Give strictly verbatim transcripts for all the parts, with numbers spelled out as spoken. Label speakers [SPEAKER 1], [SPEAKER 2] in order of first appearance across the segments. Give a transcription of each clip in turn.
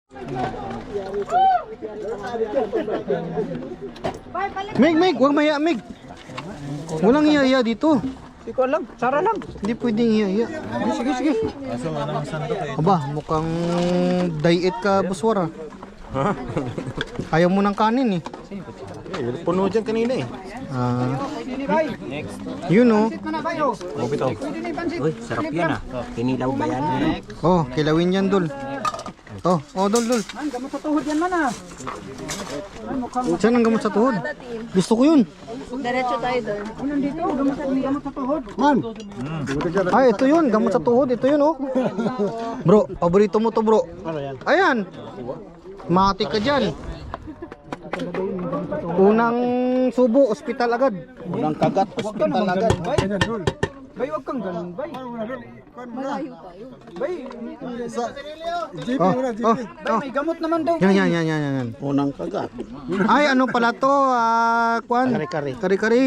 [SPEAKER 1] Mig, Mig, huwag maya, Mig. Walang iya-iya dito.
[SPEAKER 2] Hindi ko alam, Sara lang.
[SPEAKER 1] Hindi pwedeng iya-iya. Sige, sige. Aba, mukhang diet ka, Buswara. Ayaw mo ng kanin eh.
[SPEAKER 3] Eh, puno dyan kanina eh.
[SPEAKER 1] Ah. Yun oh.
[SPEAKER 2] Uy, sarap yan ah. Kinilaw ba yan?
[SPEAKER 1] Oh, kilawin yan, Dol. Oh, oh, Dol, Dol.
[SPEAKER 2] Gamot sa tuhod yan man ah.
[SPEAKER 1] Saan ang gamot sa tuhod? Gusto ko yun.
[SPEAKER 4] Diretso tayo doon.
[SPEAKER 2] Ano dito? Gamot sa, gamot sa tuhod.
[SPEAKER 1] Man. Ay, ito yun. Gamot sa tuhod. Ito yun, oh. Bro, paborito mo to, bro. Ayan. Mati ka dyan. Unang subo, ospital agad.
[SPEAKER 3] Unang kagat, hospital agad.
[SPEAKER 2] Bay, wag kang ganun, bay.
[SPEAKER 4] Malayo tayo.
[SPEAKER 2] Bay,
[SPEAKER 1] Oh, oh,
[SPEAKER 2] bay,
[SPEAKER 1] oh.
[SPEAKER 2] may gamot naman daw.
[SPEAKER 1] Yan, yan, yan, yan, yan.
[SPEAKER 3] Unang kagat.
[SPEAKER 1] Ay, ano pala to? Ah, kwan?
[SPEAKER 3] Kari-kari.
[SPEAKER 1] Kari-kari.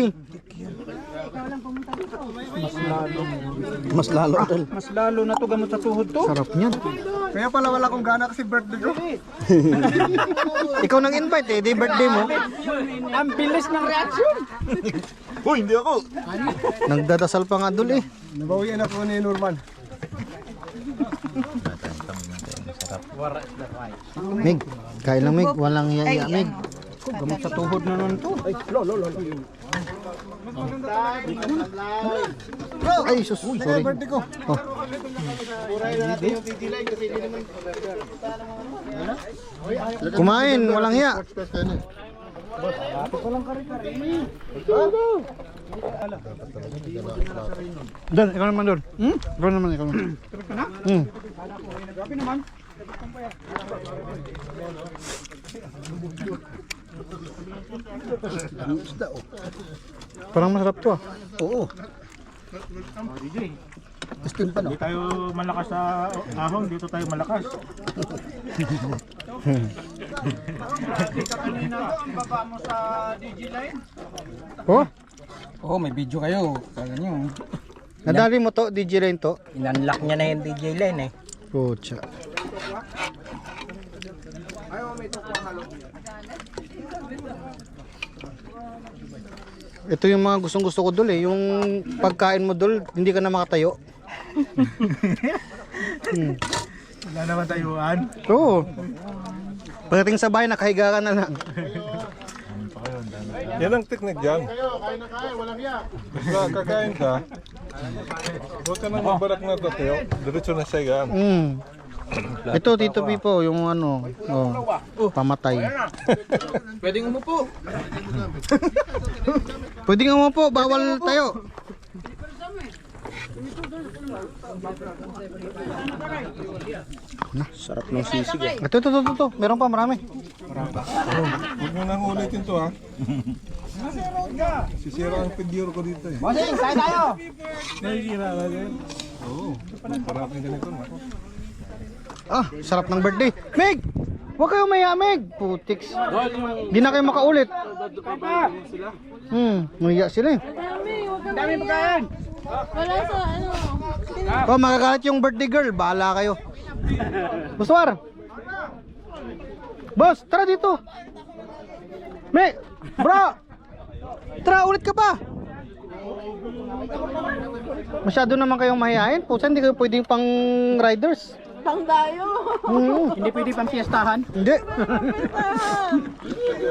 [SPEAKER 3] Mas lalo tol.
[SPEAKER 2] Mas lalo na to gamot sa tuhod to.
[SPEAKER 1] Sarap niyan.
[SPEAKER 2] Kaya pala wala akong gana kasi birthday ko.
[SPEAKER 1] Ikaw nang invite eh, di birthday mo.
[SPEAKER 2] Ang bilis ng reaction.
[SPEAKER 3] Hoy, hindi ako.
[SPEAKER 1] Nagdadasal pa nga dul eh.
[SPEAKER 2] Nabawian ako ni Norman.
[SPEAKER 1] Mig, kain lang Mig, walang iya-iya Mig.
[SPEAKER 2] Gamot sa tuhod na nun to. Ay, lo, lo, lo.
[SPEAKER 1] Ay, sus, sorry. Oh. Kumain, walang hiya. Dan, ikaw naman doon. Hmm? Ikaw naman, ikaw naman. Hmm.
[SPEAKER 2] Grabe naman.
[SPEAKER 1] Parang masarap to ah.
[SPEAKER 3] Oo.
[SPEAKER 5] Hindi tayo malakas sa ahon, dito tayo malakas.
[SPEAKER 2] Kanina to, ang baba mo sa D J line.
[SPEAKER 1] Oh,
[SPEAKER 2] Oo, oh, may video kayo. Kala nyo.
[SPEAKER 1] nadali mo to, D J Line to.
[SPEAKER 2] Inunlock niya na yung D J line eh.
[SPEAKER 1] Pucha. Ito yung mga gustong gusto ko dul eh. Yung pagkain mo dul, hindi ka na makatayo. hmm.
[SPEAKER 5] Wala naman tayuan.
[SPEAKER 1] Oo. Pagdating sa bahay, nakahiga ka na lang.
[SPEAKER 6] Yan ang teknik dyan. Basta kakain ka, huwag ka nang mabarak na tatayo, diretso na siya yan.
[SPEAKER 1] Mm. Ito, Tito Pipo, yung ano, oh, pamatay.
[SPEAKER 2] Pwedeng umupo.
[SPEAKER 1] Pwede nga mo po, bawal tayo.
[SPEAKER 3] Sarap ng sisig eh.
[SPEAKER 1] Ito, ito, ito, ito, ito. Meron pa, marami.
[SPEAKER 6] Huwag mo nang ulitin to ha. Sisira ang figure ko dito eh.
[SPEAKER 2] Bossing, kain tayo.
[SPEAKER 6] Nakikira na din. Oo. Parating ganito na.
[SPEAKER 1] Ah, sarap ng birthday. Meg! Huwag kayo maya, Meg! Putiks. Di na kayo makaulit. Hmm, mahiya sila eh.
[SPEAKER 4] Dami, huwag kang
[SPEAKER 2] Dami
[SPEAKER 4] mahiya.
[SPEAKER 2] pagkain.
[SPEAKER 4] Wala sa ano.
[SPEAKER 1] Oh, makakalat yung birthday girl. Bahala kayo. Buswar! Boss, tara dito. Meg! Bro! Tara, ulit ka pa. Masyado naman kayong mahihain. Pusa, hindi kayo pwedeng pang riders.
[SPEAKER 4] Pang tayo.
[SPEAKER 1] Hmm.
[SPEAKER 2] Hindi pwede pang fiestahan.
[SPEAKER 1] Hindi.